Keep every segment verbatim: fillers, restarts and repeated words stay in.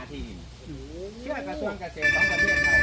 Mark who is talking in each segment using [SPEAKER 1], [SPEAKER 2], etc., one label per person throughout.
[SPEAKER 1] ที่ดินเชื่อกระทรวงเกษตรของประเทศไทย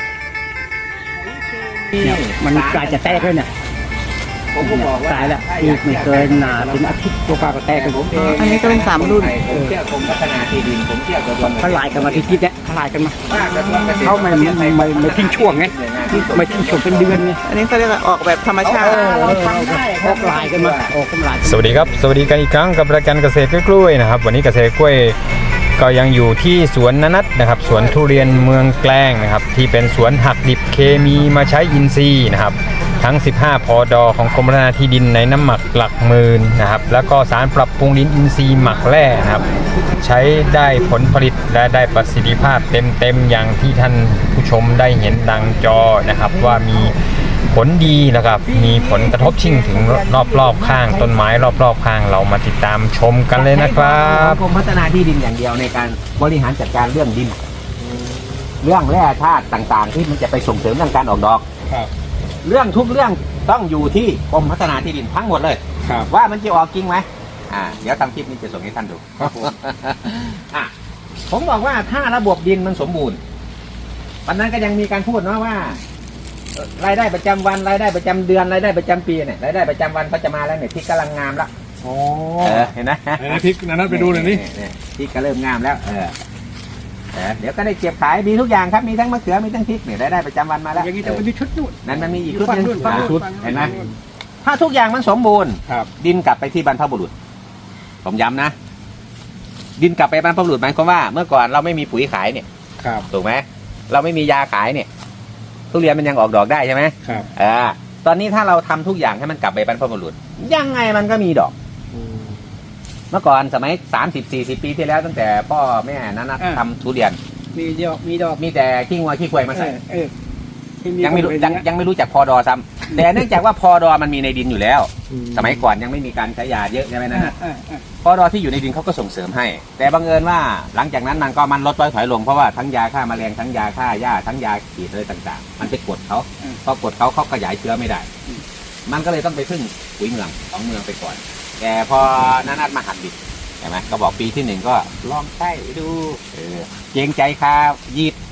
[SPEAKER 2] มันกลายจะแตกเลยเนี่ย
[SPEAKER 1] ผมก็บอกว่า
[SPEAKER 2] ตายแล้วอีกไม่เกินหนาเป็นอาทิตย์ตัวปลาก็แตกกันผมเอง
[SPEAKER 3] อันนี้ก็เป็นสามรุ่น
[SPEAKER 1] ผมเชื่อกรมพัฒนาที่ดินผมเชื่อกระทรวง
[SPEAKER 2] เขาลายกันมาทีทิศเนี่ยเขาลายกันมา
[SPEAKER 1] ว่ากระทรวงเกษตร
[SPEAKER 2] เขาไม่ไม่ไม่ไม่ทิ้งช่วงไงไม่ทิ้งช่วงเป็นเดือนไง
[SPEAKER 3] อันนี้เขาเรียกว่าออกแบบธรรมชาติ
[SPEAKER 2] เราทำได้ออกลายกันมาออกกำลาย
[SPEAKER 4] สวัสดีครับสวัสดีกันอีกครั้งกับรายการเกษตรกล้วยๆนะครับวันนี้เกษตรกล้วยก็ยังอยู่ที่สวนนนัทนะครับสวนทุเรียนเมืองแกล้งนะครับที่เป็นสวนหักดิบเคมีมาใช้อินทรีย์นะครับทั้งสิบห้าพอดอของกรมพัฒนาที่ดินในน้ำหมักหลักหมื่นนะครับแล้วก็สารปรับปรุงดินอินทรีย์หมักแร่นะครับใช้ได้ผลผลิตและได้ประสิทธิภาพเต็มๆอย่างที่ท่านผู้ชมได้เห็นดังจอนะครับว่ามีผลดีนะครับมีผลกระทบชิ่งถึงรอบๆข้างต้นไม้รอบๆข้างเรามาติดตามชมกันเลยนะครับ
[SPEAKER 1] กรมพัฒนาที่ดินอย่างเดียวในการบริหารจัดการเรื่องดินเรื่องแร่ธาตุต่างๆที่มันจะไปส่งเสริมเรื่องการออกดอกเรื่องทุกเรื่องต้องอยู่ที่กรมพัฒนาที่ดินทั้งหมดเลยว่ามันจะออกจริงไหมอ่าเดี๋ยวทำคลิปนี้จะส่งให้ท่านดูครับผมอ่ะผมบอกว่าถ้าระบบดินมันสมบูรณ์วันนั้นก็ยังมีการพูดเนาะว่ารายได้ประจำวันรายได้ประจำเดือนรายได้ประจำปีเนี่ยรายได้ประจำวันเขาจะมาแล้วเนี่ยพริกกำลังงามแล้ว
[SPEAKER 5] อ๋อ
[SPEAKER 1] เห็นไหม
[SPEAKER 5] พริกนั้นไปดูหน่อยนี่
[SPEAKER 1] พริกก็เริ่มงามแล้วเออเดี๋ยวก็ได้เก็บขายมีทุกอย่างครับมีทั้งมะเขือมีทั้งพริกเนี่ยรายได้ประจำวันมาแล้ว
[SPEAKER 2] อย่างนี้จะมีชุดนู่น
[SPEAKER 1] นั่นมันมีอีกชุดนึงชุดเห็นไหมถ้าทุกอย่างมันสมบูรณ์ดินกลับไปที่บรรพบุรุษผมย้ำนะดินกลับไปบรรพบุรุษหมายความว่าเมื่อก่อนเราไม่มีปุ๋ยขายเนี่ยถูกไหมเราไม่มียาขายเนี่ยทุเรียนมันยังออกดอกได้ใช่ไหม
[SPEAKER 5] ครับ
[SPEAKER 1] อ่าตอนนี้ถ้าเราทำทุกอย่างให้มันกลับไปบรรพบุรุษยังไงมันก็มีดอกเมื่อก่อนสมัยสามสิบสี่สิบปีที่แล้วตั้งแต่พ่อแม่นั้นทำทุเรียน
[SPEAKER 2] มีดอกมีดอก
[SPEAKER 1] มีแต่ขี้งัวขี้ควายมาใส่
[SPEAKER 2] ยั
[SPEAKER 1] งไม่รู้ยังยังไม่รู้จักพอดอซ้ำแต่เนื่องจากว่าพอดอมันมีในดินอยู่แล้วสมัยก่อนยังไม่มีการใช้ยาเยอะใช่ไหมนะพอดอที่อยู่ในดินเขาก็ส่งเสริมให้แต่บังเอิญว่าหลังจากนั้นมันก็มันลดถอยลงเพราะว่าทั้งยาฆ่าแมลงทั้งยาฆ่าหญ้าทั้งยาฉีดอะไรต่างๆมันไปกดเขาพอกดเขาเขาขยายเชื้อไม่ได้มันก็เลยต้องไปพึ่งปุ๋ยเมืองของเมืองไปก่อนแต่พอนันัดมาหัดดิบใช่ไหมก็บอกปีที่หนึ่งก็ลองใช้ดูเกรงใจครับยีด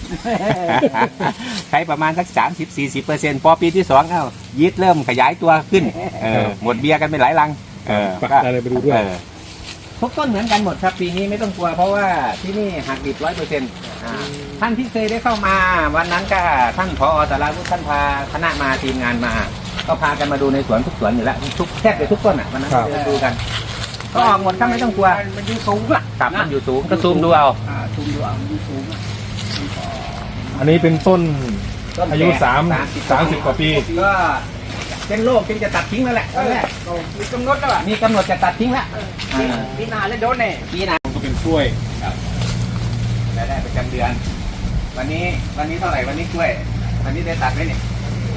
[SPEAKER 1] ใช้ประมาณสักสามสิบสี่สิบเปอร์เซ็นต์พอปีที่สองเอ้ายีดเริ่มขยายตัวขึ้นหมดเบียร์กันไปหลายลัง
[SPEAKER 5] ก็อะไรไปดูด้วย
[SPEAKER 1] ทุกต้นเหมือนกันหมดครับปีนี้ไม่ต้องกลัวเพราะว่าที่นี่หักดิบร้อยเปอร์เซ็นต์ท่านที่เคยได้เข้ามาวันนั้นก็ท่านผอ.สาราวุฒิท่านพาคณะมาทีมงานมาก็พากันมาดูในสวนทุกสวนอยู่แล้วทุกแทบจะทุกต้นอ่ะวันนั้นเดินดูกันก็ออกหมดครับไม่ต้องกลัว
[SPEAKER 2] มันอยู่สูงอ่ะ
[SPEAKER 1] ตับมันอยู่สูงก็ซูมดูเอา
[SPEAKER 2] ซูมดูเอามันสูง
[SPEAKER 5] อันนี้เป็นต้นอายุสามสามสิบกว่าปี
[SPEAKER 1] ก็เป็นโรคเป็นจะตัดทิ้งแล้วแหละตอนแรก
[SPEAKER 2] มีกำหนดแล้ว
[SPEAKER 1] มีกำหนดจะตัดทิ้งแล้ว
[SPEAKER 2] ปีหน้าแล้วโดนแน่
[SPEAKER 1] ปีหน้า
[SPEAKER 5] ก็เป็นกล้วย
[SPEAKER 1] รายได้ประจำเดือนวันนี้วันนี้เท่าไหร่วันนี้กล้วยวันนี้ได้ตัดไหมเนี่ย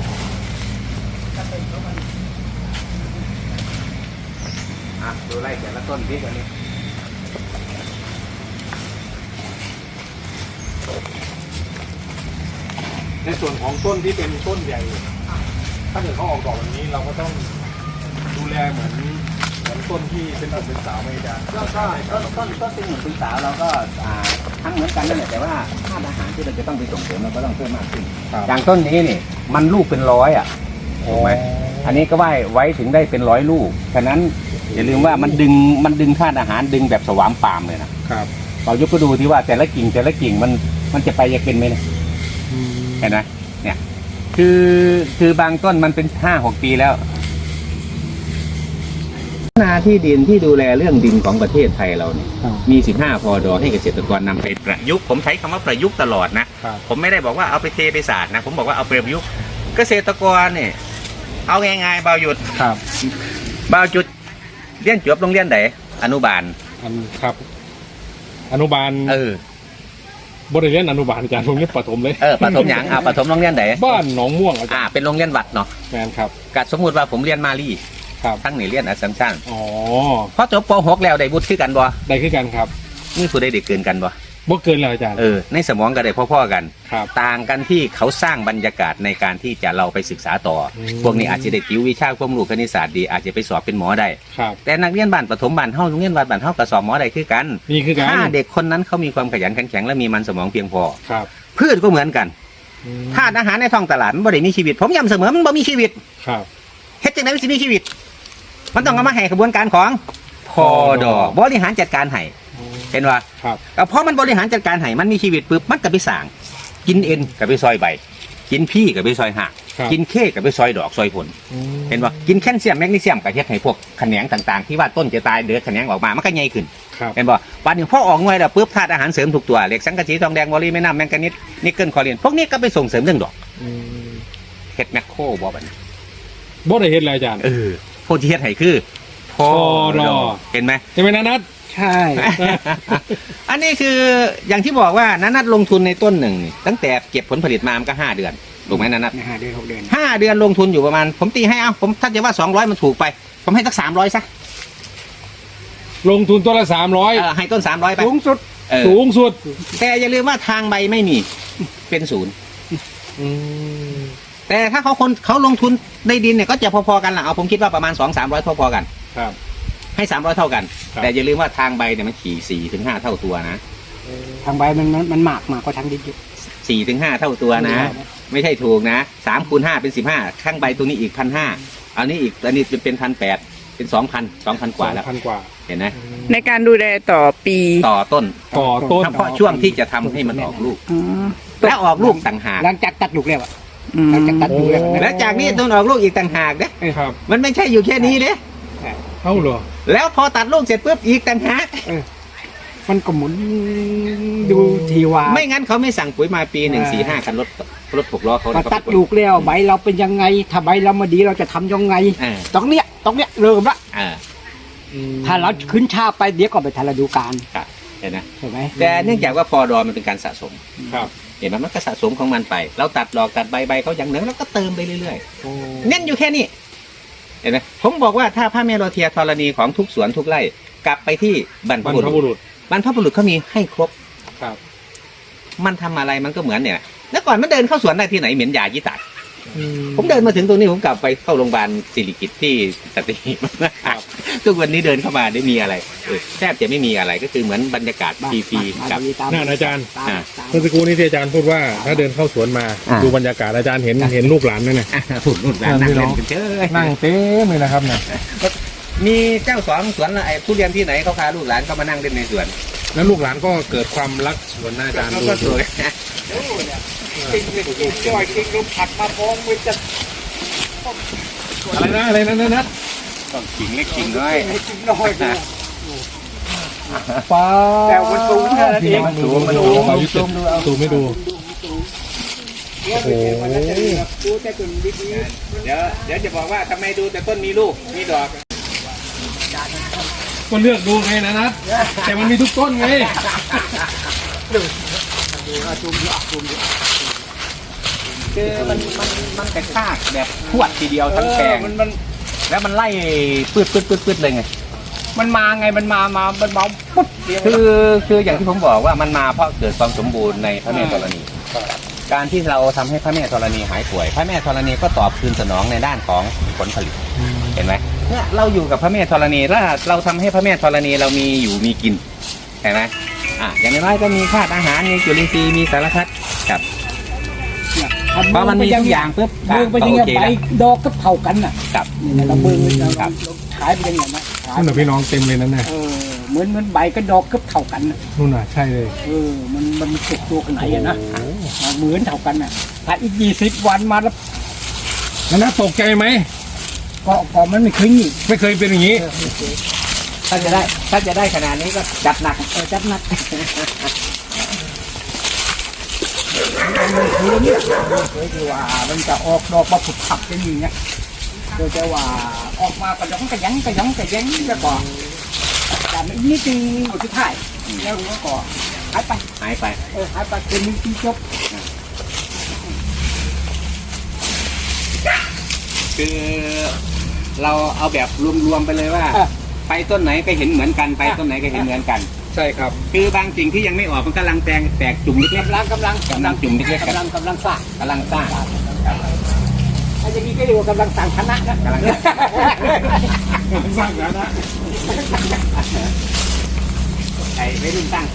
[SPEAKER 1] ดูไล่แต่ละต้นที่วันนี้
[SPEAKER 5] ในส่วนของต้นที่เป็นต้นใหญ่ถ้าเกิดเขาออกดอกแบบนี้เราก็ต้องดูแลเหมือนเหมือนต้นที่เป็นต้นเป็นสาวไม่ได้
[SPEAKER 1] ก็ต้นต้นต้นเป็นหนุ่มเป็นสาวเราก็ทั้งเหมือนกันนั่นแหละแต่ว่าธาตุอาหารที่เราจะต้องไปส่งเสริมเราก็ต้องเพิ่มมากขึ้นอย่างต้นนี้นี่มันลูกเป็นร้อยอ่ะถูกไหมอันนี้ก็ไว้ไว้ถึงได้เป็นร้อยลูกฉะนั้นอย่าลืมว่ามันดึงมันดึงธาตุอาหารดึงแบบสวามปามเลยนะครับเรายกก็ดูที่ว่าแต่ละกิ่งแต่ละกิ่งมันมันจะไปจะเป็นไหมนะเห็นไหมเนี่ยคือคือบางต้นมันเป็นห้าหกปีแล้วนาที่ดินที่ดูแลเรื่องดินของประเทศไทยเราเนี่ยมีสิบห้าพอดอให้เกษตรกรนำไปประยุกต์ผมใช้คำว่าประยุกต์ตลอดนะผมไม่ได้บอกว่าเอาไปเทไปศาสตร์นะผมบอกว่าเอาไปประยุกต์เกษตรกรเนี่ยเอาง่ายๆเบาหยุด
[SPEAKER 5] ครับ
[SPEAKER 1] เบาจุดเรียนจบโรงเรียนไหนอนุบาล
[SPEAKER 5] อันครับอนุบาล
[SPEAKER 1] เออ
[SPEAKER 5] บริเวณอนุบาลอาจารย์โรงเรียนประถมเลย
[SPEAKER 1] เออประถมอย่างอ่าประถมโรงเรียนไหน
[SPEAKER 5] บ้านหนองม่วงอาจารย์
[SPEAKER 1] อ่าเป็นโรงเรียนวัดเนาะ
[SPEAKER 5] แมนครับ
[SPEAKER 1] กัดสมมุติว่าผมเรียนมาลี
[SPEAKER 5] ครับ
[SPEAKER 1] ทั้งนี่เรียนอัสสัมชัญ
[SPEAKER 5] อ๋อ
[SPEAKER 1] พอจบป.หกแล้วได้วุฒิขึ้นกันบ่
[SPEAKER 5] ได้ขึ้นกันครับ
[SPEAKER 1] นี่ผู้ใดได้เกินกันบ่
[SPEAKER 5] บ่เกินเลยอาจารย์
[SPEAKER 1] เออในสมองก็ได้พ่อๆกัน
[SPEAKER 5] ครับ
[SPEAKER 1] ต่างกันที่เขาสร้างบรรยากาศในการที่จะเราไปศึกษาต่ออ
[SPEAKER 5] ม
[SPEAKER 1] พวกนี้อาจจะได้ติววิชาความรู้คณิตศาสตร์ดีอาจจะไปสอบเป็นหมอได้
[SPEAKER 5] ครับ
[SPEAKER 1] แต่นักเรียนบ้านประถมบ้านเฮาโรงเรียนบ้านบ้านเฮาก็สอบหมอได้คือกัน
[SPEAKER 5] นี่คือการ
[SPEAKER 1] ถ้าเด็กคนนั้นเขามีความขยันขันแข็งและมีมันสมองเพียงพอ
[SPEAKER 5] ครับ
[SPEAKER 1] พืชก็เหมือนกัน
[SPEAKER 5] อืม
[SPEAKER 1] ธาตุอาหารในท้องตลาดมันบ่ได้มีชีวิต ผมย้ำเสมอมันบ่มีชีวิต
[SPEAKER 5] ครับ
[SPEAKER 1] เฮ็ดจังไดมันสิมีชีวิต มันต้องเอามาให้กระบวนการของพอดอบริหารจัดการให้เห็นว่า
[SPEAKER 5] ครับ
[SPEAKER 1] ก็เพราะมันบริหารจัดการให้มันมีชีวิตปุ๊บมันก็ไปสร้าง กินเอ็นก็ไปซอยใบ กินพี่ก็ไปซอยหัก
[SPEAKER 5] ครับ
[SPEAKER 1] กินเคก็ไปซอยดอกซอยผล
[SPEAKER 5] อืม
[SPEAKER 1] เห็นว่ากินแคลเซียมแมกนีเซียมก็เฮ็ดให้พวกแขนงต่างๆ ที่ว่าต้นจะตายเดือดแขนงออกมามันก็ใหญ่ขึ้น
[SPEAKER 5] ครับ
[SPEAKER 1] เห็นบ่วันหนึงพอออกหน่วยแล้วปุ๊บธาตุอาหารเสริมทุกตัวเหล็กสังกะสีทองแดงวอลลีแม่น้ำแมงกานิสนิกเกิลคอเรียนพวกนี้ก็ไปส่งเสริมเรื่องดอก
[SPEAKER 5] อืม
[SPEAKER 1] เฮ็ดแมคโครบ่บัดนี้
[SPEAKER 5] บ่ได้เห็นเลยอาจารย์
[SPEAKER 1] เออพวกที่เฮ็ดให้คือพอ
[SPEAKER 5] ดอ
[SPEAKER 1] เห็นไหม
[SPEAKER 5] ใช่ไหมนะนัท
[SPEAKER 2] ใช่
[SPEAKER 1] อันนี้คืออย่างที่บอกว่านันัดลงทุนในต้นหนึ่งนี่ตั้งแต่เก็บผลผลิตมามันก็ห้าเดือนถูกไหมนันัด
[SPEAKER 2] ห้าเดือนหกเดือน
[SPEAKER 1] ห้าเดือนลงทุนอยู่ประมาณ ผมตีให้เอาผมถ้าจะว่าสองร้อยมันถูกไป ผมให้สักสามร้อยซะ
[SPEAKER 5] ลงทุนตัวละสามร้อย
[SPEAKER 1] เออให้ต้นสามร้อยไป
[SPEAKER 2] สูงสุด
[SPEAKER 1] เออ
[SPEAKER 5] สูงสุด
[SPEAKER 1] แต่อย่าลืมว่าทางใบไม่มีเป็นศูนย์
[SPEAKER 5] อืม
[SPEAKER 1] แต่ถ้าเขาคนเขาลงทุนในดินเนี่ยก็จะพอๆกันละเอาผมคิดว่าประมาณสองสามร้อยพอๆกัน
[SPEAKER 5] ครับ
[SPEAKER 1] ให้สามร้อยเท่ากัน
[SPEAKER 5] ครับ
[SPEAKER 1] แต่อย่าลืมว่าทางใบเนี่ยมันขี่สี่ถึงห้าเท่าตัวนะ
[SPEAKER 2] ทางใบมันมันมันหมากมากกว่าทางดินอยู่
[SPEAKER 1] สี่ถึงห้าเท่าตัวนะ ไม่ใช่ถูกนะสามคูณห้าเป็นสิบห้าข้างใบตัวนี้อีกพันห้าอันนี้อีกอันนี้เป็นพันแปดเป็นสองพันสองพันกว่าแล้ว
[SPEAKER 5] พันกว่า
[SPEAKER 1] เห็นไหม
[SPEAKER 3] ในการดูแลต่อปี
[SPEAKER 1] ต่อต้น
[SPEAKER 5] ต่อต้น
[SPEAKER 1] เฉพาะช่วงที่จะทำให้มันออกลูก
[SPEAKER 3] อ๋อ
[SPEAKER 1] และออกลูกต่างหาก
[SPEAKER 2] หลังจากตัดลูกแล้วอะ
[SPEAKER 3] อืม
[SPEAKER 2] หลังจากตัดลูกแล้ว
[SPEAKER 1] และจากนี้ต้นออกลูกอีกต่างหากเด้
[SPEAKER 5] ครับ
[SPEAKER 1] มันไม่ใช่อยู่แค่นี้เด้
[SPEAKER 5] เอ้าเหรอ
[SPEAKER 1] แล้วพอตัดลูกเสร็จปุ๊บอีกต่างหาก
[SPEAKER 2] มันก็หมุนดูทีว่า
[SPEAKER 1] ไม่งั้นเขาไม่สั่งปุ๋ยมาปีหนึ่งสี่ห้าคันรถรถหกล้อเขา
[SPEAKER 2] พอ
[SPEAKER 1] เนี่ย
[SPEAKER 2] ตัดลูกแล้วใบเราเป็นยังไง ถ้าใบเรามาดีเราจะทำยังไง
[SPEAKER 1] อ่า
[SPEAKER 2] ตรงเนี้ยตรงเนี้ยเริ่มละ
[SPEAKER 1] อ่า
[SPEAKER 2] ถ้าเราขึ้นช้าไปเดี๋ยวก็ไปทันฤดูกาล
[SPEAKER 1] ครับเห็นไหม
[SPEAKER 2] ใช่ไหม
[SPEAKER 1] แต่เนื่องจากว่าพอดอมันเป็นการสะสม
[SPEAKER 5] ครับ
[SPEAKER 1] เห็นไหมมันก็สะสมของมันไป เราตัดดอกตัดใบใบเขาอย่างหนึ่งแล้วก็เติมไปเรื่อยๆ เน้นอยู่แค่นี้ เห็นไหมผมบอกว่าถ้าพระเมโลเทียธรณีของทุกสวนทุกไร่กลับไปที่บรรพ
[SPEAKER 5] บรร
[SPEAKER 1] บุ
[SPEAKER 5] พ
[SPEAKER 1] รุ
[SPEAKER 5] บุ
[SPEAKER 1] ษ
[SPEAKER 5] รุษ
[SPEAKER 1] บรรพบุรุษเขามีให้ครบ
[SPEAKER 5] ครับ
[SPEAKER 1] มันทำอะไรมันก็เหมือนเนี่ยแล้วก่อนมันเดินเข้าสวนได้ที่ไหนเหม็นยายี่ตัดผมเดินมาถึงตรงนี้ผมกลับไปเข้าโรงพยาบาลสิริกิติ์ที่สตหีบทุกวันนี้เดินเข้ามาได้มีอะไรเออแทบจะไม่มีอะไรก็คือเหมือนบรรยากาศฟรีๆกับ
[SPEAKER 5] นั่นอาจารย์
[SPEAKER 2] ตาม
[SPEAKER 1] อ่า
[SPEAKER 2] ตาม
[SPEAKER 5] เมื่อสักครู่นี้ที่อาจารย์พูดว่าถ้าเดินเข้าสวนมา
[SPEAKER 1] อ่า
[SPEAKER 5] ดูบรรยากาศอาจารย์เห็นเห็นลูกหลานนั่นน่ะ
[SPEAKER 1] ฝุ่นนุ่นนั่งเล่นกันเฉย
[SPEAKER 5] นั่งเต็มเลยนะครับเนี่ย
[SPEAKER 1] มีเจ้าสวนสวนไอ้ทุเรียนที่ไหนเขาพาลูกหลานเขามานั่งเล่นในสวน
[SPEAKER 5] แล้วลูกหลานก็เกิดความรักสวนนะอาจารย์
[SPEAKER 1] เขา
[SPEAKER 5] ดู
[SPEAKER 1] ก็สวย
[SPEAKER 2] จ่อยกินลูกผักมาพองมันจะ
[SPEAKER 5] อะไรนะอะไรนะนะนะ
[SPEAKER 1] ต้องขิงเล็กขิงน้อย
[SPEAKER 2] ให้กินน้อยดูป้าแต่มันสูงแค่นั้นเอง
[SPEAKER 5] มันสูงมันสูงเอายุติสูงไม่ดู
[SPEAKER 2] โอ้โห ดูแต่ต้นดี
[SPEAKER 1] เดี๋ยวเดี๋ยวจะบอกว่าทำไมดูแต่ต้นมีลูกมีดอก
[SPEAKER 5] ก็เลือกดูไงนะนัทแต่มันมีทุกต้นไง
[SPEAKER 1] คือมันมันมันกระชากแบบพวดทีเดียวทั้งแปลง
[SPEAKER 2] มันมัน
[SPEAKER 1] แล้วมันไล่ปืดปืดปืดปืดเลยไง
[SPEAKER 2] มันมาไงมันมามามันมาปุ๊บเดียว
[SPEAKER 1] คือคืออย่างที่ผมบอกว่ามันมาเพราะเกิดความสมบูรณ์ในพระแม่ธรณี การที่เราทำให้พระแม่ธรณีหายป่วย พระแม่ธรณีก็ตอบคืนสนองในด้านของผลผลิต เห็นไหมเนี่ยเราอยู่กับพระแม่ธรณีแล้วเราทำให้พระแม่ธรณีเรามีอยู่มีกินเห็นไหมอ่ะอย่างน้อยๆก็มีธาตุอาหารมีจุลินทรีย์มีสารพัดครับเพราะมันมีทุกอย่างปุ๊บ
[SPEAKER 2] เบิ่งไปยังไงใบดอกก็เท่ากันน่ะ
[SPEAKER 1] ครับ
[SPEAKER 2] นี่เราเบิ่งเราเราขายไปยังไงนะขาย
[SPEAKER 5] นู่นน่ะพี่น้องเต็มเลยนั่นน่ะ
[SPEAKER 2] เออเหมือนเหมือนใบก็ดอกก็เท่ากันน่ะ
[SPEAKER 5] นู่นน่ะใช่เลย
[SPEAKER 2] เออมันมันสุกตัวขนาดไหนอะนะเหมือนเท่ากันน่ะถ้าอีกยี่สิบวันมาแล้ว
[SPEAKER 5] แล้วน่าตกใจไหม
[SPEAKER 2] ก็ก็มันไม่เคยงี้
[SPEAKER 5] ไม่เคยเป็นอย่างนี้
[SPEAKER 1] ถ้าจะได้ถ้าจะได้ขนาดนี้ก็จัดหนัก
[SPEAKER 2] เออจัดหนักมันเคยเนี่ยเคยที่ว่ามันจะออกดอกมาผุดผักจะอย่างเงี้ยโดยแต่ว่าออกมากระยองกระยังกระยองกระยังแล้วก็แต่ไม่นิดนึงหมดที่ท้ายแล้วก็หายไป
[SPEAKER 1] หายไป
[SPEAKER 2] เออหายไปเป็นนึงที่จบ
[SPEAKER 1] คือเราเอาแบบรวมๆไปเลยว่า
[SPEAKER 2] เออ
[SPEAKER 1] ไปต้นไหนก็เห็นเหมือนกันไปต้นไหนก็เห็นเหมือนกัน
[SPEAKER 5] ใช่ครับ
[SPEAKER 1] คือบางสิ่งที่ยังไม่ออกมันกำลังแตงแตกจุ่มเล็ก
[SPEAKER 2] กำลังกำลัง
[SPEAKER 1] ๆกำลังจุ่มเล็กๆ
[SPEAKER 2] กำลังกำลังสร้าง
[SPEAKER 1] กำลังสร้าง
[SPEAKER 2] ไอ้อย่างนี้ก็เรียกว่ากำลังสั่งคณะนะ
[SPEAKER 1] กำลัง
[SPEAKER 5] สร้างแล้วนะ
[SPEAKER 1] ไอ้ไม่รุ่นสร้างตัว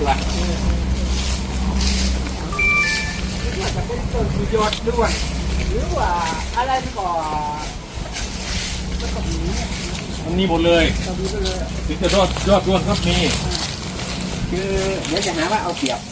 [SPEAKER 2] จะเป็นต้นประโยชน์ด้วยหรือว่าอะไรที่ก่อแล้วก็มี
[SPEAKER 5] มันมีหมดเลย
[SPEAKER 2] ก็มีไปเลย
[SPEAKER 5] ถึงจะยอดยอดร่วนครับมี
[SPEAKER 1] คือเดี๋ยวจะหาว่าเอาเปรียบ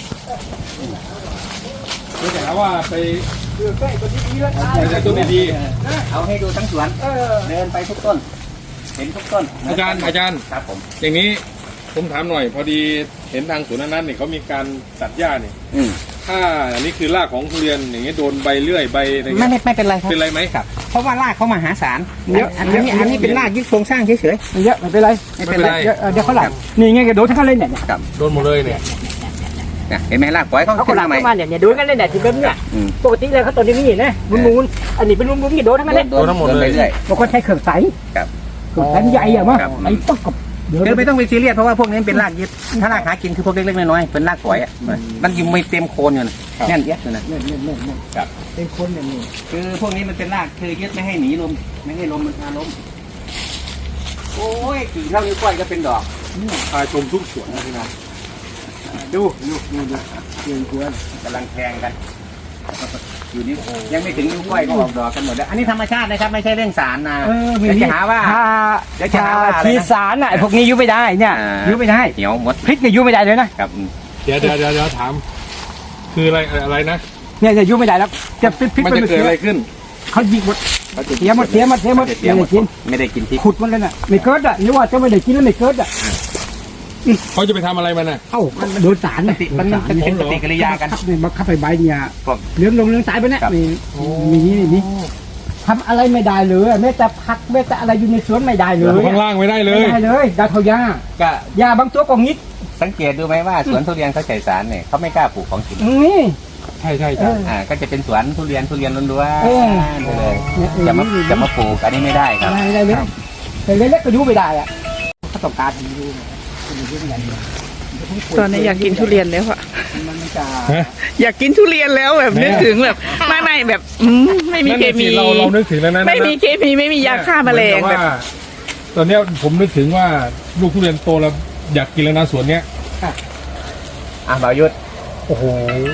[SPEAKER 5] เดี๋ยวจะหาว่าไป
[SPEAKER 2] คือใกล้ตัวที่ดีแล้ว
[SPEAKER 5] ไปแต่ต้นดี
[SPEAKER 1] เอาให้ดูทั้งสวน
[SPEAKER 2] เออ
[SPEAKER 1] เดินไปทุกต้น เห็นทุกต้น
[SPEAKER 5] ๆอาจารย์อาจารย์
[SPEAKER 1] ครับผม
[SPEAKER 5] อย่างนี้ผมถามหน่อย พอดีเห็นทางสวนนั้นเนี่ยเขามีการตัดหญ้าเนี่ย
[SPEAKER 1] อืม
[SPEAKER 5] ถ้าอันนี้คือรากของทุเรียนอย่างเงี้ยโดนใบเลื่อยใบอะไร
[SPEAKER 1] ไม่
[SPEAKER 5] เงี้ย
[SPEAKER 1] ไม่ไม่เป็นไรครับ
[SPEAKER 5] เป็นไรไหมครับ
[SPEAKER 1] เพราะว่ารากเขามหาศาลเยอะอันนี้อันนี้เป็นรากยึดโครงสร้างเฉย
[SPEAKER 2] ไม่เยอะไม่เป็นไร
[SPEAKER 1] ๆไม่เป็นไร
[SPEAKER 2] เดี๋ยวเดี๋ยวเขาหลังนี่ไงกระโดดทั้งนั้นเลยเนี่ย
[SPEAKER 1] ครับ
[SPEAKER 5] โดนหมดเลยเนี่ย
[SPEAKER 1] เนี่ยเห็นไหมรากปล่อยเขา
[SPEAKER 2] เขา
[SPEAKER 1] ขึ้น
[SPEAKER 2] หลั
[SPEAKER 1] มาง ใหม่
[SPEAKER 2] ประมาณเนี่ยเนี่ยดูกันเลยเนี่ยที่เป็นเนี่ย
[SPEAKER 1] อืม
[SPEAKER 2] ปกติเลยเขาตัวนี้นี่นะมุนมุนๆอันนี้เป็นมุนมุนๆนี่โดนทั้งนั้นเลย
[SPEAKER 1] โดนทั้งหมดเลยเรื่อย
[SPEAKER 2] บางคนใช้เครื่องใส
[SPEAKER 1] ครับ
[SPEAKER 2] เครื่องใสใหญ่อะมั้ง
[SPEAKER 1] ครับ
[SPEAKER 2] ไอ้ต้องกับเดี๋ยว
[SPEAKER 1] คือไม่ต้องไปซีเรียสเพราะว่าพวกนี้เป็นรากยึดถ้ารากหากินคือพวกเล็กๆน้อยๆเป็นรากปล่อยอ่ะมันยังไม่เต็มโคนอยู่นะแน่นเอียดอยู่นะ
[SPEAKER 2] เนี่ยเนี่ยเนี่ยเนี่ย
[SPEAKER 1] ครับ
[SPEAKER 2] เป็นคนเนี่ยนี่
[SPEAKER 1] คือพวกนี้มันเป็นรากคือยึดไม่ให้หนีลมไม่ให้ลมมันพาล้มโอ้ยกี่เท่านิ้วก้อยก็เป็นดอก
[SPEAKER 5] พาชมทุกสวนนะพี่น้อง
[SPEAKER 1] ดูดูดูดูเรื่องควรกำลังแทงกัน อยู่นี่ยังไม่ถึงนิ้วก้อยก็ออกดอกกันหมดแล้วอันนี้ธรรมชาตินะครับไม่ใช่เรื่องสารนะ
[SPEAKER 2] เออ
[SPEAKER 1] เดี๋ยวจะหาว่า
[SPEAKER 2] ถ้า
[SPEAKER 1] เดี๋ยวจะหาว่าอะไรนะ
[SPEAKER 2] ทีสารน่ะไอ้พวกนี้ยุ่ไม่ได้เนี่ย
[SPEAKER 1] อ่า
[SPEAKER 2] ยุ่ไม่ได้
[SPEAKER 1] เหี่ยวหมด
[SPEAKER 2] พริกเนี่ยยุ่ไม่ได้เลยนะ
[SPEAKER 1] ครับ
[SPEAKER 5] เดี๋ยวเดี๋ยวเดี๋ยวเดี๋ยวถาม คืออะไรอะไรนะ
[SPEAKER 2] เนี่ยเนี่ยยุ่ไม่ได้แล้วจะพริกพริก
[SPEAKER 5] มัน
[SPEAKER 2] มัน
[SPEAKER 5] จะ
[SPEAKER 2] ไม่
[SPEAKER 5] เกิด
[SPEAKER 2] เสีย
[SPEAKER 5] อะไรขึ้น
[SPEAKER 2] เขายิงหมดเสียหมดเสียหมดเสียหมด
[SPEAKER 1] เสียหมด
[SPEAKER 2] ไม่ได้กิน
[SPEAKER 1] ไม่ได้กินพริก
[SPEAKER 2] ขุดหมันเลยน่ะไม่เกิดอ่ะนี่ว่าจะไม่ได้กินแล้วไม่เกิดอ่ะ
[SPEAKER 5] เขาจะไปทำอะไรมันน่ะ
[SPEAKER 2] เอ้ามันโดนสาร
[SPEAKER 1] ปฏิมันมันเป็นปฏิกิริยากัน
[SPEAKER 2] นี่มาขับไปใบเนี่ย
[SPEAKER 1] ครับ
[SPEAKER 2] เหลืองลงเหลืองสายไปเนี่ย
[SPEAKER 1] ครับ
[SPEAKER 2] มีมีนี่นี่ทำอะไรไม่ได้เลยแม้แต่ผักแม้แต่อะไรอยู่ในสวนไม่ได้เลย
[SPEAKER 5] ข้างล่างไม่ได้เล
[SPEAKER 2] ไม่
[SPEAKER 5] ย
[SPEAKER 2] ได้เลยดาวเทายา
[SPEAKER 1] ก็
[SPEAKER 2] ยาบางตัวก็งิด
[SPEAKER 1] สังเกตดูไหมว่าสวนทุเรียนเขาใส่สารเนี่ยเขาไม่กล้าปลูกของกิน
[SPEAKER 2] นี่
[SPEAKER 5] ใช่ใช่
[SPEAKER 2] เอ
[SPEAKER 5] ใช่
[SPEAKER 2] อ
[SPEAKER 1] อ่าก็จะเป็นสวนทุเรียนทุเรียนล้วน
[SPEAKER 2] เออ
[SPEAKER 1] ๆเลย
[SPEAKER 2] เนี่ยเออ
[SPEAKER 1] จะมา
[SPEAKER 2] นี่
[SPEAKER 1] จะมาปลูกอันนี้ไม่ได้ครับ
[SPEAKER 2] ไม่ได้เลยแต่เล็กๆก็ยุ่ไม่ได้อ่ะเขาต้องการให้ยุ่ยุ่ไม่ได้เลย
[SPEAKER 3] ตอนนี้อยากกินทุเรียนแล้วอะ
[SPEAKER 2] มันจะ
[SPEAKER 5] ฮะ
[SPEAKER 3] อยากกินทุเรียนแล้วแบบนึกถึงแบบไม่ไม่แบบอืมไม่มี
[SPEAKER 5] นั่น
[SPEAKER 3] เค
[SPEAKER 5] น่ะสิ
[SPEAKER 3] มี
[SPEAKER 5] เราเรานึกถึงแล้วนะ
[SPEAKER 3] ไม่มีเคมีไม่มียาฆ่าแมลง
[SPEAKER 5] เหอน
[SPEAKER 3] แบ
[SPEAKER 5] กับบ ว่าตอนเนี้ยผมนึกถึงว่าลูกทุเรียนโตแล้วอยากกินแล้วนะสวนเนี้ย
[SPEAKER 1] อ่ะบ่าวยุทธ
[SPEAKER 5] โอ้โห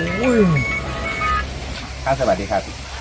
[SPEAKER 1] ครับสวัสดีครับ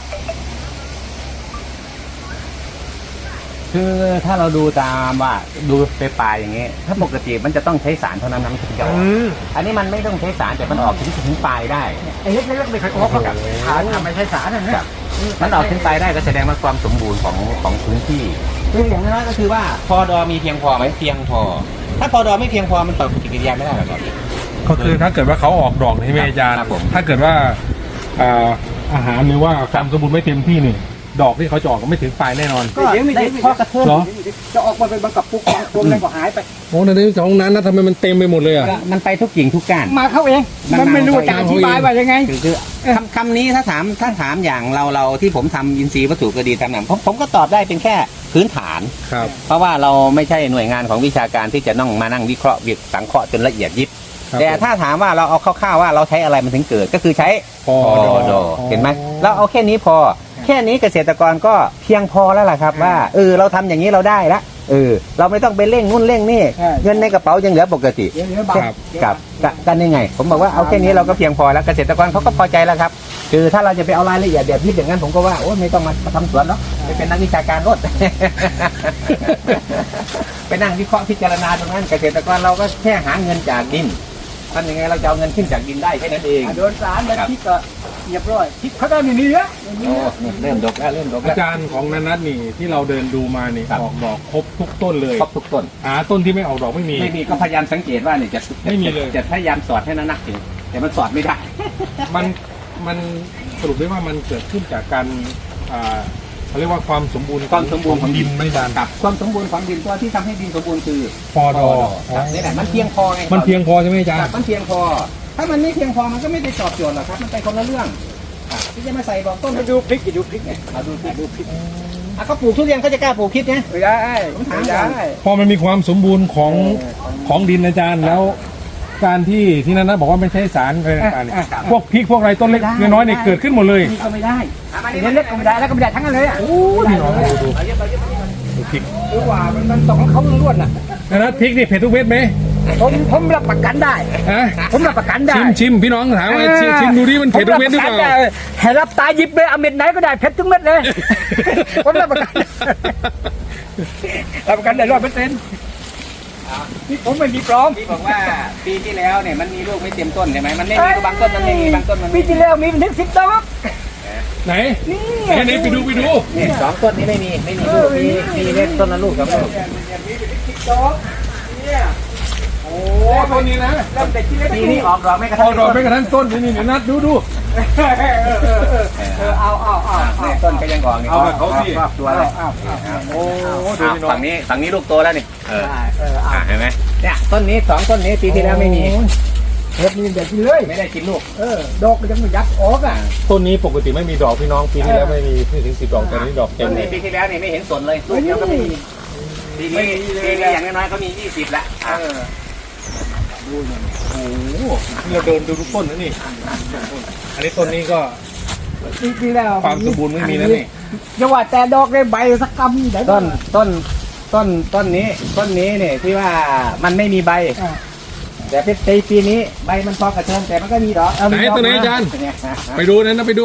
[SPEAKER 1] คือถ้าเราดูตามว่าดูไปปลายอย่างเงี้ยถ้าปกติมันจะต้องใช้สารเท่านั้นนะมันถึงจะออกอันนี้มันไม่ต้องใช้สารแต่มันออกถึงถึงปลายได้
[SPEAKER 2] ไอ้เล็กๆไม่เคยออกหรอกฐานทำไม่ใช่สารนะนะ
[SPEAKER 1] มันออกถึงปลายได้ก็แสดงว่าความสมบูรณ์ของของพื้นที่คืออย่างนั้นก็คือว่าพอดอมีเพียงพอไหมเพียงพอ ถ้าพอดอไม่เพียงพอมันต่อปฏิกิริยาไม่ได้หรอกครับ
[SPEAKER 5] ก็คือถ้าเกิดว่าเขาออกดอกใช่ไหมอาจารย์
[SPEAKER 1] ครับผม
[SPEAKER 5] ถ้าเกิดว่าอ่าอาหารหรือว่าความสมบูรณ์ไม่เต็มที่นี่ ดอกที่เขาจะออกก็ไม่ถึงปลายแน่นอน
[SPEAKER 2] ก็ได้พอกระเทือน
[SPEAKER 5] เหรอ
[SPEAKER 2] จะออกมาเป็นบางกับปุกบางพวงอะไรก็หายไป
[SPEAKER 5] โอ้ในนี้ของนั้นนะทำไมมันเต็มไปหมดเลยอ่ะ
[SPEAKER 1] มันไปทุกกิ่งทุกก้าน
[SPEAKER 2] มาเข้าเอง มันไม่รู้จะอธิบายว่ายังไง
[SPEAKER 1] คือคือคำคำนี้ถ้าถามถ้าถามอย่างเราเราที่ผมทำอินทรีย์วัตถุก็ดีทำหนังผมผมก็ตอบได้เป็นแค่พื้นฐาน
[SPEAKER 5] ครับ
[SPEAKER 1] เพราะว่าเราไม่ใช่หน่วยงานของวิชาการที่จะต้องมานั่งวิเคราะห์วิสังเคราะห์จนละเอียดยิบ
[SPEAKER 5] ครับ
[SPEAKER 1] แต่ถ้าถามว่าเราเอาคร่าวๆว่าเราใช้อะไรมันถึงเกิดก็คือใช้
[SPEAKER 5] พอ
[SPEAKER 1] ดอดอเห็นไหมเราเอาแค่นี้พอ แค่นี้เกษตรกรก็เพียงพอแล้วล่ะครับว่าเออเราทำอย่างนี้เราได้ละเออเราไม่ต้องไปเร่งนู่นเร่งนี่
[SPEAKER 2] ใช่
[SPEAKER 1] เงินในกระเป๋ายังเหลือปกติ
[SPEAKER 2] เดี๋ยวเดี๋ยวบา
[SPEAKER 5] ครับ
[SPEAKER 1] กับกับกันยังไง ผมบอกว่าเอาแค่นี้เราก็เพียงพอแล้วเกษตรกรเขาก็พอใจแล้วครับคือถ้าเราจะไปเอารายละเอียดแบบยิบอย่างนั้นผมก็ว่าโอ้ไม่ต้องมาทำสวนเนาะไปเป็นนักวิชาการรถ ไปนั่งวิเคราะห์พิจารณาตรงนั้นเกษตรกรเราก็แค่หาเงินจากดินทำยังไงเราจะเอาเงินขึ้นจากดินได้แค่นั้นเอง
[SPEAKER 2] โดนสารแล้วพริกก็เรียบร้อยพริกเขาได้ไม่มีเยอะไม่มี
[SPEAKER 1] โอ้
[SPEAKER 2] เยอะ
[SPEAKER 1] เริ่มดกแล้วเริ่มดก
[SPEAKER 5] อา
[SPEAKER 1] แล้ว
[SPEAKER 5] จารย์ของนันนัทนี่ที่เราเดินดูมานี่
[SPEAKER 1] ครับ
[SPEAKER 5] ออกดอกครบทุกต้นเลย
[SPEAKER 1] ครบทุกต้น
[SPEAKER 5] หาต้นที่ไม่ออกดอกไม่มี
[SPEAKER 1] ไม่มีก็พยายามสังเกตว่าเนี่ยจะ
[SPEAKER 5] ไม่มีเลย
[SPEAKER 1] จะพยายามสอดให้นักๆจริงแต่มันสอดไม่ได้
[SPEAKER 5] มันมันสรุปได้ว่ามันเกิดขึ้นจากการอ่าเขาเรียกว่าความสมบูรณ์
[SPEAKER 1] ความสมบูรณ์ของ
[SPEAKER 5] ดินไม่ดาน
[SPEAKER 1] กับความสมบูรณ์ของดินตัวที่ทำให้ดินสมบูรณ์คือ
[SPEAKER 5] พอดอ
[SPEAKER 1] ครับนี่แหละมันเพียงพอไง
[SPEAKER 5] มันเพียงพอใช่ไหมอาจาร
[SPEAKER 1] ครับ
[SPEAKER 5] ย์
[SPEAKER 1] มันเพียงพอ ถ้ามันไม่เพียงพอมันก็ไม่ได้ตอบโจทย์หรอกครับมันไปคนละเรื่องครับที่จะมาใส่บอกต้น
[SPEAKER 2] มาดูพริกจะดูพริกไง
[SPEAKER 1] เอาดูพริกดูพริกอ่ะเขาปลูกทุเรียนเขาจะกล้าปลูกพริกไง
[SPEAKER 2] ไม่ได้
[SPEAKER 1] ผมถาม
[SPEAKER 2] ไม่
[SPEAKER 1] ก่อน
[SPEAKER 2] ได้
[SPEAKER 5] พอมันมีความสมบูรณ์ของของดินอาจารย์แล้วการที่ที่นั่นนะบอกว่าไม่ใช่สารอะไรต่างๆเนี่ย
[SPEAKER 2] อ่ะอ่ะ
[SPEAKER 5] พวกพริกพวกอะไรต้นเล็กน้อยๆเนี่ยเกิดขึ้นหมดเลย
[SPEAKER 2] นี่ก็ไม่ได้เล็กๆก็ไม่ได้แล้วก็ไม่ได้ทั้งนั้นเลยอ่ะ
[SPEAKER 5] โอ้ยพี่น้องดูดูดูพริก
[SPEAKER 2] หรือว่ามันมันต้องของเขาล้วนๆน่ะ
[SPEAKER 5] นะนะพริกนี่เผ็ดทุกเม็ดไหม
[SPEAKER 2] ผมผมรับประกันได้
[SPEAKER 5] ฮะ
[SPEAKER 2] ผมรับประกันได้
[SPEAKER 5] ชิมชิมพี่น้องถามว่าชิมชิมดูดิมันเผ็ดทุกเม็ดหรือเปล่า
[SPEAKER 2] ผมบประกันได้ให้รับตาหยิบเลยเอาเม็ดไหนก็ได้เผ็ดทุกเม็ดเลย ผมรับประกันรับประกันได้ร้อยเปอร์เซ็นต์นี่ผมไม่มีปลอม
[SPEAKER 1] ที่บอกว่าปีที่แล้วเนี่ยมันมีลูกไม่เต็มต้นใช่ไหมมันไม่มีบางต้นมันไม่มีบางต้นมัน
[SPEAKER 2] ปี
[SPEAKER 1] ไม่มี
[SPEAKER 2] ที่แล้วมีถึงสิบดอก
[SPEAKER 5] ไหน
[SPEAKER 2] นี่
[SPEAKER 5] ไหนไหนไปดูไปดู
[SPEAKER 1] เนี่ยสองต้นนี้ไม่มีไม่มีลูกมีมีเล็กต้นละลูกครับลูก
[SPEAKER 2] มีถึงสิบดอกเนี่ย
[SPEAKER 5] โอ้ต้นนี้นะ
[SPEAKER 2] เริ่มแต่ที่เล็ก
[SPEAKER 1] ปีนี้ออกดอกไม่กระ
[SPEAKER 5] พอ
[SPEAKER 1] ทั่ง
[SPEAKER 5] ดอกไปกระทั่งต้นนี่นี่เดี๋ยวนัดดูดู
[SPEAKER 2] เออเออเออเออเออเอาเอาเอาเอา
[SPEAKER 1] เนี่ยต้นก็ยังออกนี่
[SPEAKER 5] เอาแบบเขาสิ
[SPEAKER 1] ครอบตัวเลย
[SPEAKER 2] เอาเอา
[SPEAKER 5] โอ้ดู
[SPEAKER 1] อ่ะ
[SPEAKER 5] พี่น้อง
[SPEAKER 1] ฝั่งนี้ฝั่งนี้ลูกโตแล้วนี่เออ
[SPEAKER 2] เออเอา
[SPEAKER 1] อ่ะเห็นไหมเนี่ยต้นนี้สองต้นนี้ปีที่แล้วไม่มี
[SPEAKER 2] เฮ็ดนี่เด็ดกินเลย
[SPEAKER 1] ไม่ได้กินลูก
[SPEAKER 2] เออดอกมันยังไม่ยัดออกอ่ะ
[SPEAKER 5] ต้นนี้ปกติไม่มีดอกพี่น้องปีที่แล้วไม่มีไม่ถึงสิบดอกแต่นี้ดอกเต็
[SPEAKER 1] ต้
[SPEAKER 5] ม
[SPEAKER 1] น
[SPEAKER 5] เล
[SPEAKER 1] นี้
[SPEAKER 5] ย
[SPEAKER 1] ปีที่แล้วนี่ไม่เห็นสนเลยลูกเดียวก็ไม่มีปีนี้ปีนี้อย่างน้อยๆก็มียี่สิบละอ่ะ
[SPEAKER 5] โอ้โหนี่เราเดินดูทุกต้นนะนี่อันนี้ต้นนี้ก็
[SPEAKER 2] จริงๆแล้ว
[SPEAKER 5] ความสมบูรณ์ไม่มีแล้วนี่
[SPEAKER 2] อย่าว่าแต่ดอกเลยใบสักกำเดี๋ยว
[SPEAKER 1] ต้นต้นต้นต้นนี้ต้นนี้เนี่ยที่ว่ามันไม่มีใบ
[SPEAKER 2] อ่ะ
[SPEAKER 1] แต่ปีปีนี้ใบมันพอกระเทิงแต่มันก็มีดอกเอา
[SPEAKER 5] ไหน
[SPEAKER 1] มีดอก
[SPEAKER 5] ตัวไหน
[SPEAKER 1] มา
[SPEAKER 5] อาจารย์
[SPEAKER 1] เนี่ย
[SPEAKER 5] ไปดูนั้นนะไปดู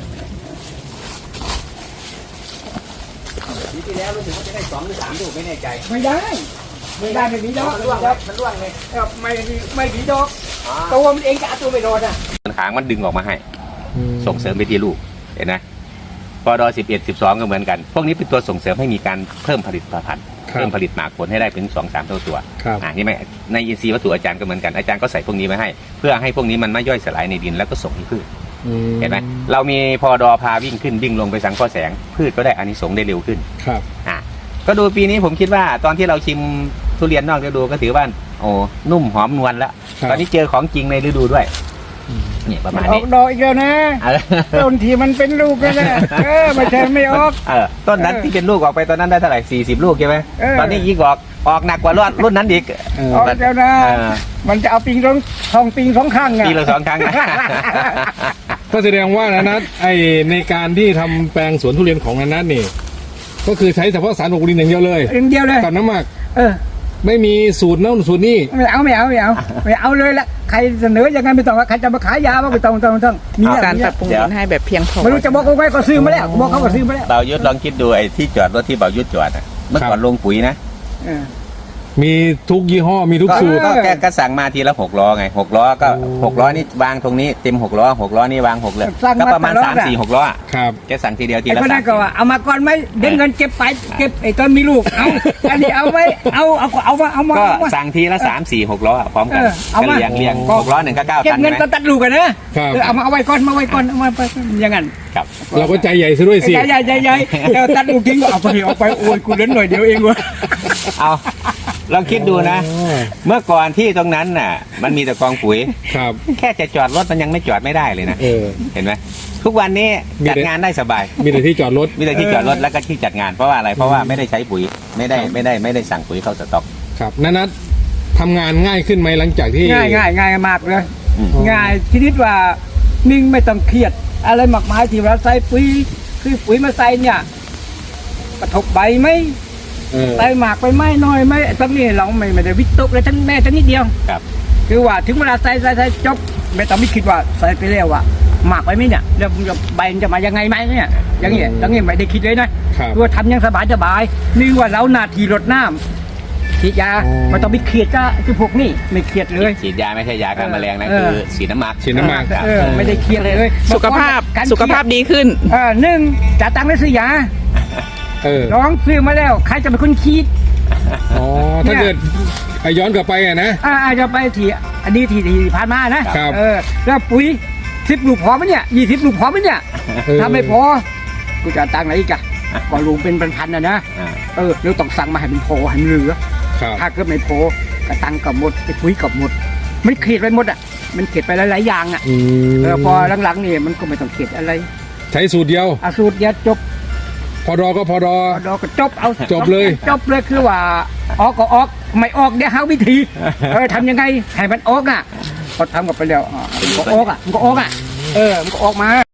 [SPEAKER 1] ปีที่แล้วรู้สึกว่าจะได้สองหรือสามลูกไม่แน่ใจ
[SPEAKER 2] ไม่ได้ไม่ได้ไม่มีดอก
[SPEAKER 1] มันร่วงเลยมันร่วงเลย
[SPEAKER 2] เออไม่มีไม่มีดอกตัวมันเองจะเอาตัวไม่รอดอ่ะ
[SPEAKER 1] ขางมันดึงออกมาให้ ส่งเสริมไปที่ลูกเห็นไหมพอดอสิบเอ็ดสิบสองก็เหมือนกัน พวกนี้เป็นตัวส่งเสริมให้มีการเพิ่มผลิตภัณฑ์เพิ่มผลิตหมากผลให้ได้เป็นสองสามเท่าตัว
[SPEAKER 5] ครับ
[SPEAKER 1] อ่านี่ไหมในอินทรีย์วัตถุอาจารย์ก็เหมือนกันอาจารย์ก็ใส่พวกนี้มาให้ เพื่อให้พวกนี้มันไม่ย่อยสลายในดินแล้วก็ส่งให้พืชเห็นไหมเรามีพอดอพาวิ่งขึ้นวิ่งลงไปสังเคราะห์แสง พืชก็ได้อานิสงส์ได้เร็วขึ้น
[SPEAKER 5] ครับ
[SPEAKER 1] อ่ะก็ดูปีนี้ผมคิดว่าตอนที่เราชิมทุเรียนนอกฤดูก็ถือว่าโอ้นุ่มหอมนวลแล้ว
[SPEAKER 5] ครับ
[SPEAKER 1] ตอนนี้เจอของจริงในฤดูด้วยเนี่ยประมาณ
[SPEAKER 2] ออ
[SPEAKER 1] นี้
[SPEAKER 2] กดอกอีกแล้วนะ
[SPEAKER 1] เออ
[SPEAKER 2] ต้นที่มันเป็นลูกแล้วนะเออไม่ใช่ไม่ออก
[SPEAKER 1] เออต้นนั้นที่เป็นลูกออกไปตอนนั้นได้เท่าไหร่สี่สิบลูกใช่ไหม
[SPEAKER 2] เออ
[SPEAKER 1] ตอนนี้ยิ่งออกออกหนักกว่ารอดรุ่นนั้นอีก
[SPEAKER 5] เออ
[SPEAKER 2] ออกแล้วนะ
[SPEAKER 1] เออ
[SPEAKER 2] มันจะเอาปิงสองทองปิงสองข้างอ่ะ
[SPEAKER 1] ปีละสองครั้งนะ
[SPEAKER 5] ก็แสดงว่านะนัทไอในการที่ทำแปลงสวนทุเรียนของนัทนี่ก็คือใช้เฉพาะสารปกดินอย่างเดียวเลย
[SPEAKER 2] อย่างเดียวเลย
[SPEAKER 5] กับน้ำหมัก
[SPEAKER 2] เออ
[SPEAKER 5] ไม่มีสูตรโน้นสูตรนี่
[SPEAKER 2] ไม่เอาไม่เอาไม่เอาไม่เอาเลยละใครเสนอยังไงไม่ต้องว่าใครจะมาขายยาบ้างไม่ต้องไม่ต้องไม่ต้องมี
[SPEAKER 3] เอา
[SPEAKER 2] อะ
[SPEAKER 3] การ
[SPEAKER 2] มี
[SPEAKER 3] ปรั
[SPEAKER 2] อะ
[SPEAKER 3] บปรุงดินให้แบบเพียงพอ
[SPEAKER 2] ไม่รู้จะบอกเอาไว้ก็ซื้อมาแล้วบอกเขาก็ซื้อมาแล้ว
[SPEAKER 1] เบายุทธลองคิดดูไอ้ที่จอดรถที่เบายุทธจอดอะเมื่อก่อนลงปุ๋ยนะ
[SPEAKER 2] เออ
[SPEAKER 5] มีทุกยี่ห้อมีทุก
[SPEAKER 1] ก็
[SPEAKER 5] สูตร
[SPEAKER 1] ก็แกก็สั่งมาทีละหกล้อไงหกล้อก็
[SPEAKER 5] โอ้
[SPEAKER 1] หกล้อนี่วางตรงนี้เต็มหกล้อหกล้อนี่วางหกเลยก็ประมาณสามสี่หกล้ออะ
[SPEAKER 5] ครับ
[SPEAKER 1] แกสั่งทีเดียวที
[SPEAKER 2] ไอ้
[SPEAKER 1] ละ
[SPEAKER 2] คน
[SPEAKER 1] สา
[SPEAKER 2] นั้
[SPEAKER 1] ม
[SPEAKER 2] นก็ว่าเอามาก่อนไหมเดี๋ยวเงินเก็บไปเก็บไอ้ตอนมีลูกเอาอันนี้เอาไว้เอาเอาเอามาเอามา
[SPEAKER 1] ก็
[SPEAKER 2] เอามา
[SPEAKER 1] สั่งทีละสามสี่หกล้ออะพร้อมกัน
[SPEAKER 2] เออเอา
[SPEAKER 1] ก็
[SPEAKER 2] มา
[SPEAKER 1] เรียงเรียงหกล้อหนึ่งก็เก้า
[SPEAKER 2] เก็บ
[SPEAKER 1] ตัน
[SPEAKER 2] เงิน
[SPEAKER 1] ใช่ไหม
[SPEAKER 2] ตอนตัดลูกกันนะครับ เออเอามาเอาไว้ก่อนมาไว้ก่อนเอามาไปอย่างนั้น
[SPEAKER 1] ครับ
[SPEAKER 5] เราก็ใจใหญ่ซะด้วยสิ
[SPEAKER 2] ใหญ่ใหญ่ใหญ่ใหญ่เออตัดลูกทิ้งก็เอาไปเอาไปโอ้ยกูเล่นหน่อยเดียวเองเวะ
[SPEAKER 1] เอาลองคิดดูนะ
[SPEAKER 5] อ๋อ
[SPEAKER 1] เมื่อก่อนที่ตรงนั้นน่ะ มันมีแต่กองปุ๋ย
[SPEAKER 5] ครับ
[SPEAKER 1] แค่จะจอดรถมันยังไม่จอดไม่ได้เลยนะ
[SPEAKER 5] เออ
[SPEAKER 1] เห็นไหมทุกวันนี้
[SPEAKER 5] มี
[SPEAKER 1] จัด
[SPEAKER 5] แต่
[SPEAKER 1] งานได้สบาย
[SPEAKER 5] มีแต่ที่จอดรถ
[SPEAKER 1] มีแต่ที่จอดรถแล้วก็ที่จัดงานเพราะว่าอะไรเพราะว่าไม่ได้ใช้ปุ๋ยไม่ได้ไม่ได้ไม่ได้สั่งปุ๋ยเข้าสต็อก
[SPEAKER 5] ครับนัทนัททำงานง่ายขึ้นไหมหลังจากที่
[SPEAKER 2] ง่ายง่ายง่ายมากเลย
[SPEAKER 1] อืม
[SPEAKER 2] ง่ายชนิดว่านิ่งไม่ต้องเครียด อะไรหมักไม้ที่เราใส่ปุ๋ยคือปุ๋ยมาใส่เนี่ยกระทบใบไหม
[SPEAKER 5] เออ
[SPEAKER 2] ใส่หมากไปไหมน้อยไหมตรงนี้เราไม่ไม่ได้วิตกเลยทั้งแม่ทั้งนิดเดียว
[SPEAKER 1] ครับ
[SPEAKER 2] คือว่าถึงเวลาใส่ใส่ใส่จบไม่ต้องไม่คิดว่าใส่ไปแล้วว่าหมากไปไหมเนี่ยแล้วมันจะใบมันจะมายังไงไหมเนี่ยอย่างเงี้ยอย่างเงี้ยไม่ได้คิดเลยนะครับ คือว่าทำอยังสบายสบายนี่ว่าเราหน้าที่รดน้ำฉีดยา
[SPEAKER 5] อ๋อ
[SPEAKER 2] ไม่ต้องไปเครียดจ้าคือพวกนี้ไม่เครียดเลย
[SPEAKER 1] ฉีดยาไม่ใช่ยาฆ่าแมลงนะ
[SPEAKER 2] เออ
[SPEAKER 1] คือฉีดน้ำหมัก
[SPEAKER 5] ฉีดน้ำหมัก
[SPEAKER 2] เออไม่ได้เครียดเลย
[SPEAKER 3] สุขภาพ
[SPEAKER 2] การ
[SPEAKER 3] สุขภาพดีขึ้น
[SPEAKER 2] เออหนึ่งจ่ายตังค์ได้ซื้อยา
[SPEAKER 5] เออ
[SPEAKER 2] น้องซื้อมาแล้วใครจะเป็นคนคิด
[SPEAKER 5] อ๋อถ้าเกิดไอย้อนกลับไปอะนะ
[SPEAKER 2] อ่าอาจจะไปที่อันนี้ที่ที่ผ่านมานะครับ เออแล้วปุ๋ยสิบลูกพอไหมเนี่ยยี่สิบลูกพอไหมเนี่ย
[SPEAKER 5] เออ
[SPEAKER 2] ถ้าไม่พอกูจะเอาตังค์ไหนอีกอะก็ลุงเป็นพันๆนะนะ
[SPEAKER 1] อ่า
[SPEAKER 2] เออเราต้องสั่งมาให้มันพอให้มันเหลือ
[SPEAKER 5] ครับ
[SPEAKER 2] ถ้าเกิดไม่พอกระตังกับหมดไอ้ปุ๋ยกับหมดมันเขียดไปหมดอ่ะมันเขียดไปหลายๆอย่างอ่ะ
[SPEAKER 5] อืม
[SPEAKER 2] เออพอหลังๆนี่มันก็ไม่ต้องเขียดอะไร
[SPEAKER 5] ใช้สูตรเดียว
[SPEAKER 2] อาสูตรเดียวจบ
[SPEAKER 5] พอดอก็พอดอ
[SPEAKER 2] พอดอก็จบเอา
[SPEAKER 5] จบเลย
[SPEAKER 2] จบเลยคือว่าออกก็ออกไม่ออกเดี๋ยวหาวิธีเออทำยังไงให้มันออกอ่ะพอทำกับไปแล้วอ่ะมันก็ออกอ่ะมันก็ออกอ่ะเออมันก็ออกมา